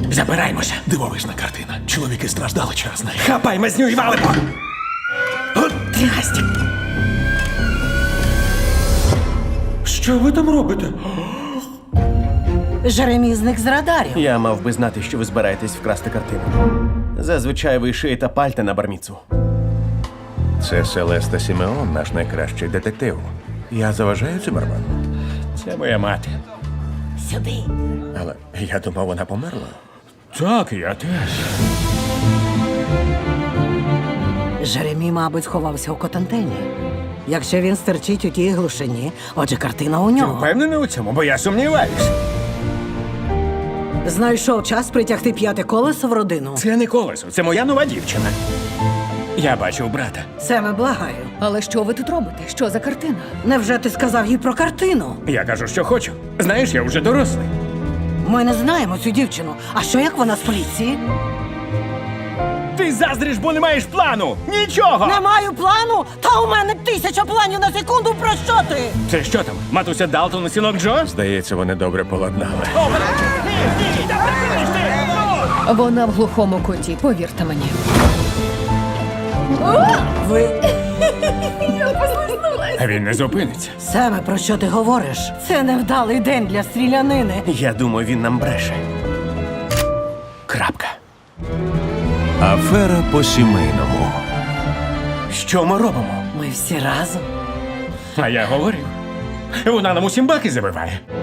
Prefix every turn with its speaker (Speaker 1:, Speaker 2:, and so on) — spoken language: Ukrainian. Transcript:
Speaker 1: Забираємося.
Speaker 2: Дивовижна картина. Чоловіки страждали через неї.
Speaker 1: Хапай мазню і валимо. От трясті. Що ви там робите?
Speaker 3: Жеремій зник з радарів.
Speaker 4: Я мав би знати, що ви збираєтесь вкрасти картину. Зазвичай ви шиєте пальта на барміцу.
Speaker 5: Це Селеста Сімеон, наш найкращий детектив. Я заважаю Цимерману.
Speaker 1: Це моя мати.
Speaker 3: Сюди.
Speaker 5: Але я думав, вона померла.
Speaker 1: Так, я теж.
Speaker 3: Жеремій, мабуть, сховався у котантині. Якщо він стерчить у тій глушині, отже, картина у нього.
Speaker 1: Впевнений у цьому, бо я сумніваюсь.
Speaker 3: Знайшов час притягти п'яте колесо в родину.
Speaker 1: Це не колесо, це моя нова дівчина. Я бачив брата.
Speaker 3: Себе благаю.
Speaker 6: Але що ви тут робите? Що за картина?
Speaker 3: Невже ти сказав їй про картину?
Speaker 1: Я кажу, що хочу. Знаєш, я вже дорослий.
Speaker 3: Ми не знаємо цю дівчину. А що як вона з поліції?
Speaker 1: Ти заздриш, бо не маєш плану! Нічого!
Speaker 3: Не маю плану? Та у мене 1000 планів на секунду. Про що ти?
Speaker 1: Це що там? Матуся Далтон і синок Джо?
Speaker 5: Здається, вони добре поладнали.
Speaker 6: Вона в глухому куті, повірте мені.
Speaker 3: Ви...
Speaker 1: А він не зупиниться.
Speaker 3: Семе, про що ти говориш? Це невдалий день для стрілянини.
Speaker 4: Я думаю, він нам бреше. Крапка.
Speaker 5: Афера по-сімейному.
Speaker 4: Що ми робимо?
Speaker 3: Ми всі разом.
Speaker 1: А я говорив. Вона нам усім баки забиває.